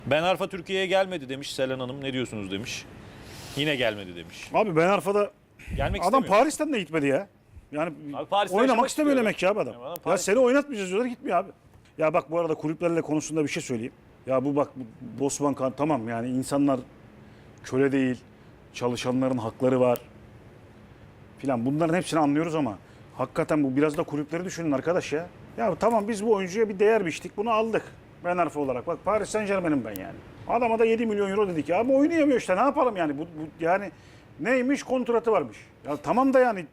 Ben Arfa Türkiye'ye gelmedi demiş Selen Hanım. Ne diyorsunuz demiş. Yine gelmedi demiş. Abi Ben Arfa'da Gelmek adam istemiyor. Paris'ten de gitmedi ya. Yani Abi Paris'te oynamak yaşamak istemiyor istiyor. demek ki abi adam. Ya adam Ya Paris- seni oynatmayacağız diyorlar, gitmiyor abi. Ya bak bu arada kulüplerle konusunda bir şey söyleyeyim. Ya bu bak bu Bosman Kan tamam yani insanlar köle değil. Çalışanların hakları var. Filan bunların hepsini anlıyoruz ama hakikaten bu biraz da kulüpleri düşünün arkadaş ya. Ya tamam biz bu oyuncuya bir değer biçtik, bunu aldık. Ben Arfa olarak. Bak Paris Saint-Germain'im ben yani. Adama da 7 milyon euro dedik ya. Ama oynayamıyor işte, ne yapalım yani. Bu yani neymiş, kontratı varmış. Ya tamam da yani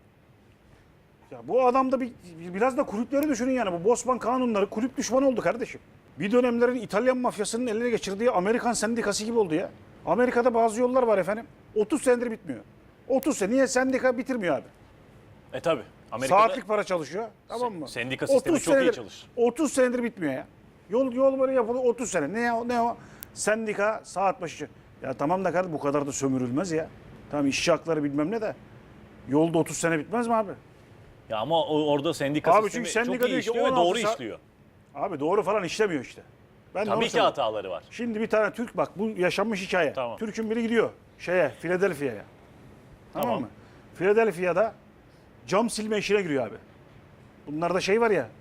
ya bu adam da biraz da kulüpleri düşünün yani. Bu Bosman kanunları kulüp düşmanı oldu kardeşim. Bir dönemlerin İtalyan mafyasının eline geçirdiği Amerikan sendikası gibi oldu ya. Amerika'da bazı yollar var efendim. 30 senedir bitmiyor. 30 sene. Niye sendika bitirmiyor abi? Tabi. Amerika'da Saatlik para çalışıyor. Tamam mı? sendika sistemi 30 çok iyi senedir- çalışır. 30 senedir bitmiyor ya. Yol böyle yapılıyor 30 sene. Ne o? Sendika saat başı. Ya tamam da kardeşim bu kadar da sömürülmez ya. Tamam işçi hakları bilmem ne de. Yolda 30 sene bitmez mi abi? Ya ama orada sendika Abi sistemi çünkü sendika çok iyi diyor ki işliyor ve 16 doğru saat- işliyor. Abi doğru falan işlemiyor işte. Ben de onu Tabii ki söylüyorum. hataları var. Şimdi bir tane Türk bak bu yaşanmış hikaye. Tamam. Türk'ün biri gidiyor Philadelphia'ya. Tamam Tamam. mı? Philadelphia'da cam silme işine giriyor abi. Bunlarda şey var ya.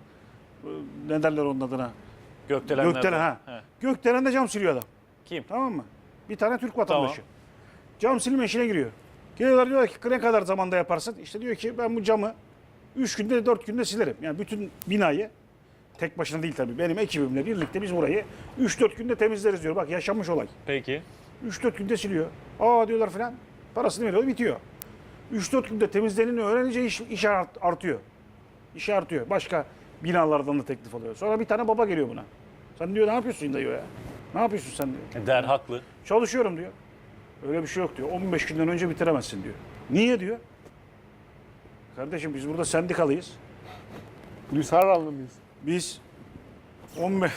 Ne derler onun adına? Gökdelenler. Gökdelen ha. He. Gökdelen'de cam siliyor adam. Kim? Tamam mı? Bir tane Türk vatandaşı. Tamam. Cam silme işine giriyor. Geliyorlar diyorlar ki ne kadar zamanda yaparsın? İşte diyor ki ben bu camı 3 günde 4 günde silerim. Yani bütün binayı tek başına değil tabii. Benim ekibimle birlikte biz burayı 3-4 günde temizleriz diyor. Bak yaşanmış olay. Peki. 3-4 günde siliyor. Aa diyorlar filan. Parasını veriyor, bitiyor. 3-4 günde temizleneni öğrenince iş artıyor. İşi artıyor. Başka binalardan da teklif alıyor. Sonra bir tane baba geliyor buna. Sen diyor ne yapıyorsun diyor ya. Ne yapıyorsun sen diyor. Der haklı. Çalışıyorum diyor. Öyle bir şey yok diyor. 15 günden önce bitiremezsin diyor. Niye diyor. Kardeşim biz burada sendikalıyız. Gülsarallı mıyız? Biz 15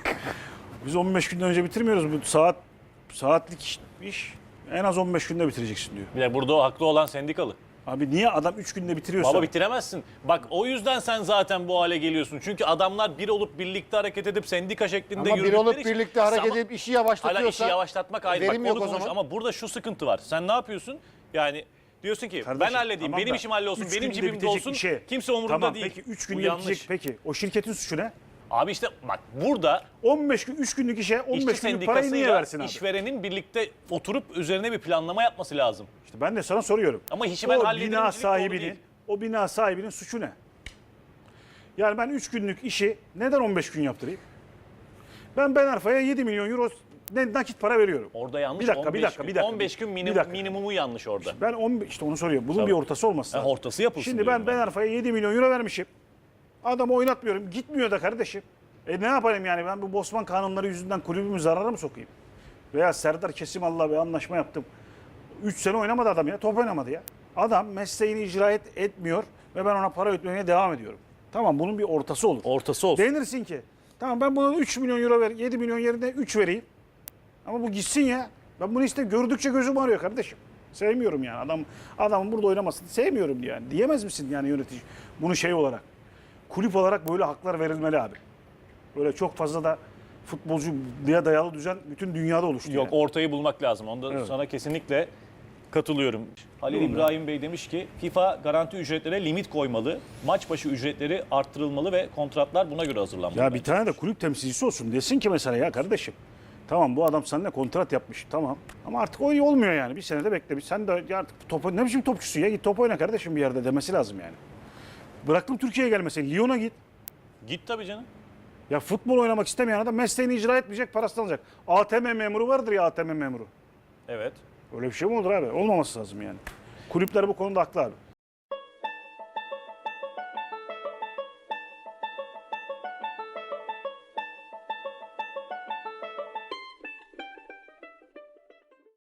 biz 15 günden önce bitirmiyoruz. Bu saatlik iş en az 15 günde bitireceksin diyor. Bir de burada o haklı olan sendikalı. Abi niye adam 3 günde bitiriyorsa? Baba bitiremezsin. Bak o yüzden sen zaten bu hale geliyorsun. Çünkü adamlar bir olup birlikte hareket edip sendika şeklinde Ama bir yürüdükleri olup için- birlikte hareket Ama- edip işi Hala yavaşlatıyorsa işi yavaşlatmak ayrı. Bak verim onu yok o konuş. zaman. Ama burada şu sıkıntı var. Sen ne yapıyorsun? Yani diyorsun ki ben Kardeşim, halledeyim, tamam benim da işim hallolsun, 3 benim günde cebimde bitecek olsun. işe- Kimse umurunda tamam, değil. Peki 3 Bu günde yanlış. bitecek. Peki o şirketin suçu ne? Abi işte bak burada 15 gün 3 günlük işe 15 işçi günlük parayı niye sendikasıyla versin abi? işverenin birlikte oturup üzerine bir planlama yapması lazım. İşte ben de sana soruyorum. Ama işi ben o hallederim bina demek doğru sahibinin değil. o bina sahibinin suçu ne? Yani ben 3 günlük işi neden 15 gün yaptırayım? Ben Arfa'ya 7 milyon euro nakit para veriyorum. Orada yanlış. Bir dakika, 15 bir dakika, gün. bir dakika. 15 gün Bir dakika. minimumu yanlış orada. Ben 15 işte onu soruyorum. Bunun Tabii. bir ortası olması lazım. Ortası yapılsın Şimdi diyorum ben Arfa'ya 7 milyon euro vermişim. Adamı oynatmıyorum. Gitmiyor da kardeşim. Ne yapayım yani ben bu Bosman kanunları yüzünden kulübümü zarara mı sokayım? Veya Serdar Kesimallah'la bir anlaşma yaptım. 3 sene oynamadı adam ya. Top oynamadı ya. Adam mesleğini icra etmiyor ve ben ona para ödemeye devam ediyorum. Tamam bunun bir ortası olur. Ortası olsun. Denirsin ki tamam ben buna 3 milyon euro ver, 7 milyon yerine 3 vereyim. Ama bu gitsin ya. Ben bunu işte gördükçe gözüm ağrıyor kardeşim. Sevmiyorum yani adamın burada oynamasını sevmiyorum yani. Diyemez misin yani yönetici? Bunu şey olarak, kulüp olarak böyle haklar verilmeli abi. Böyle çok fazla da futbolcuya dayalı düzen bütün dünyada oluştu. Yok yani. ortayı bulmak lazım. Onda Evet. sana kesinlikle katılıyorum. Halil İbrahim Bey demiş ki FIFA garanti ücretlere limit koymalı. Maç başı ücretleri arttırılmalı ve kontratlar buna göre hazırlanmalı. Ya bence. bir tane de kulüp temsilcisi olsun. Desin ki mesela ya kardeşim. Tamam bu adam seninle kontrat yapmış. Tamam. Ama artık o olmuyor yani. Bir senede bekle. Sen de ya artık ne biçim topçusun ya? Git top oyna kardeşim bir yerde demesi lazım yani. Bıraktım Türkiye'ye gelmesin. Lyon'a git. Git tabii canım. Ya futbol oynamak istemeyen adam mesleğini icra etmeyecek, parasını alacak. ATM memuru vardır ya ATM memuru. Evet. Öyle bir şey mi olur abi? Olmaması lazım yani. Kulüpler bu konuda haklı abi.